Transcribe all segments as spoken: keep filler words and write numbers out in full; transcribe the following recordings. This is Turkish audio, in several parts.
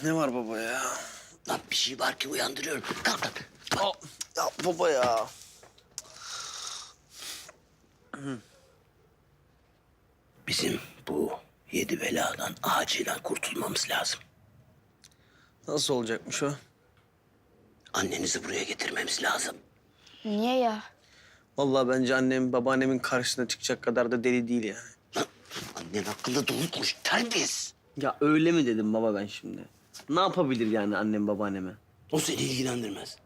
Ne var baba ya? Lan bir şey var ki uyandırıyorum. Kalk lan. Aa, ya baba ya. Bizim bu yedi beladan acilen kurtulmamız lazım. Nasıl olacakmış o? Annenizi buraya getirmemiz lazım. Niye ya? Vallahi bence annem babaannemin karşısına çıkacak kadar da deli değil yani. Lan annen hakkında dolu konuş. Terbiyesiz. Ya öyle mi dedim baba ben şimdi? Ne yapabilir yani annem babaanneme? O seni ilgilendirmez.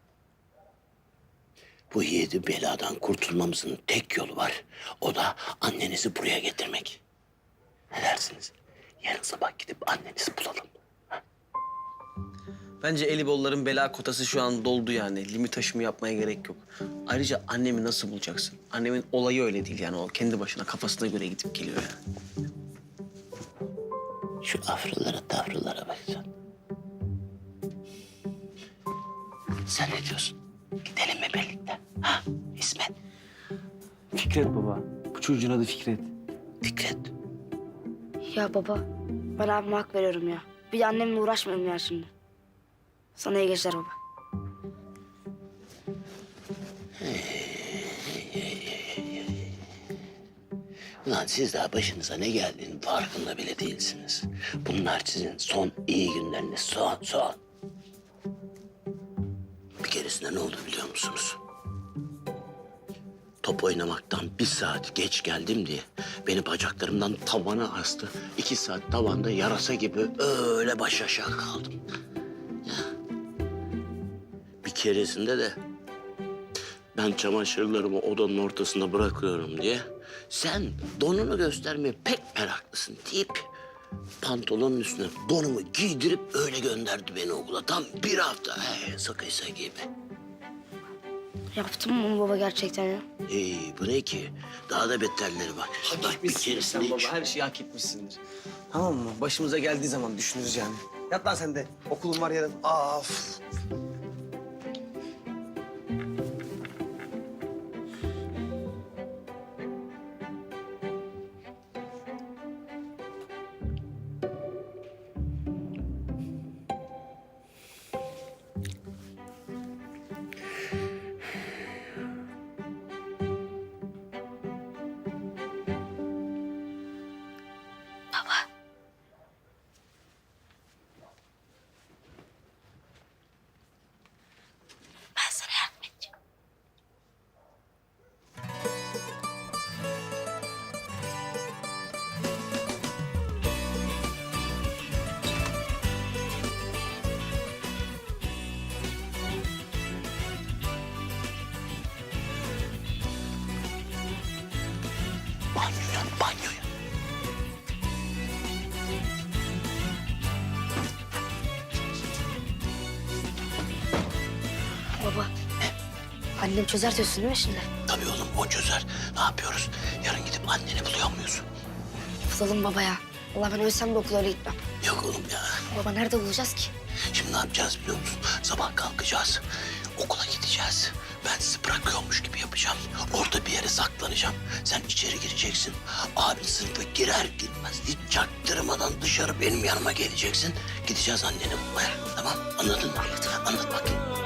Bu yedi beladan kurtulmamızın tek yolu var. O da annenizi buraya getirmek. Ne dersiniz? Yarın sabah gidip annenizi bulalım. Bence Elibolların bela kotası şu an doldu yani. Limit aşımı yapmaya gerek yok. Ayrıca annemi nasıl bulacaksın? Annemin olayı öyle değil yani. O kendi başına kafasına göre gidip geliyor yani. Şu afralara tafralara bak sen. Sen ne diyorsun? Gidelim mi birlikte? Ha İsmet? Fikret baba. Bu çocuğun adı Fikret. Fikret. Ya baba, ben abime hak veriyorum ya. Bir de annemle uğraşmayalım ya şimdi. Sana iyi geceler baba. Ulan siz daha başınıza ne geldiğinin farkında bile değilsiniz. Bunlar sizin son iyi günleriniz. Son, son. Bir keresinde ne oldu biliyor musunuz? Top oynamaktan bir saat geç geldim diye beni bacaklarımdan tavana astı. İki saat tavanda yarasa gibi öyle baş aşağı kaldım. Ya. Bir keresinde de ben çamaşırlarımı odanın ortasında bırakıyorum diye sen donunu göstermeye pek meraklısın deyip pantolonun üstüne donumu giydirip öyle gönderdi beni okula. Tam bir hafta he, sakıysa gibi. Yaptın mı bunu baba gerçekten ya? Ee, bu ne ki? Daha da beterleri var. Hak Bak bir etmişsindir keresinde sen hiç... baba. Her şeyi hak etmişsindir. Tamam mı? Başımıza geldiği zaman düşünürüz yani. Yat lan sen de. Okulun var yarın. Of. Ben sana yardım edeceğim. Banyoya, banyoya. Baba, annem çözer diyorsun değil mi şimdi? Tabii oğlum o çözer. Ne yapıyoruz? Yarın gidip anneni buluyor muyuz? Bulalım baba ya. Allah ben ölsem de okula öyle gitmem. Yok oğlum ya. Baba nerede bulacağız ki? Şimdi ne yapacağız biliyor musun? Sabah kalkacağız. Okula gideceğiz. Ben sizi bırakıyormuş gibi yapacağım. Orada bir yere saklanacağım. Sen içeri gireceksin. Abin sınıfa girer girmez hiç çaktırmadan dışarı benim yanıma geleceksin. Gideceğiz anneni bulmaya. Tamam anladın mı? Anlat bakayım.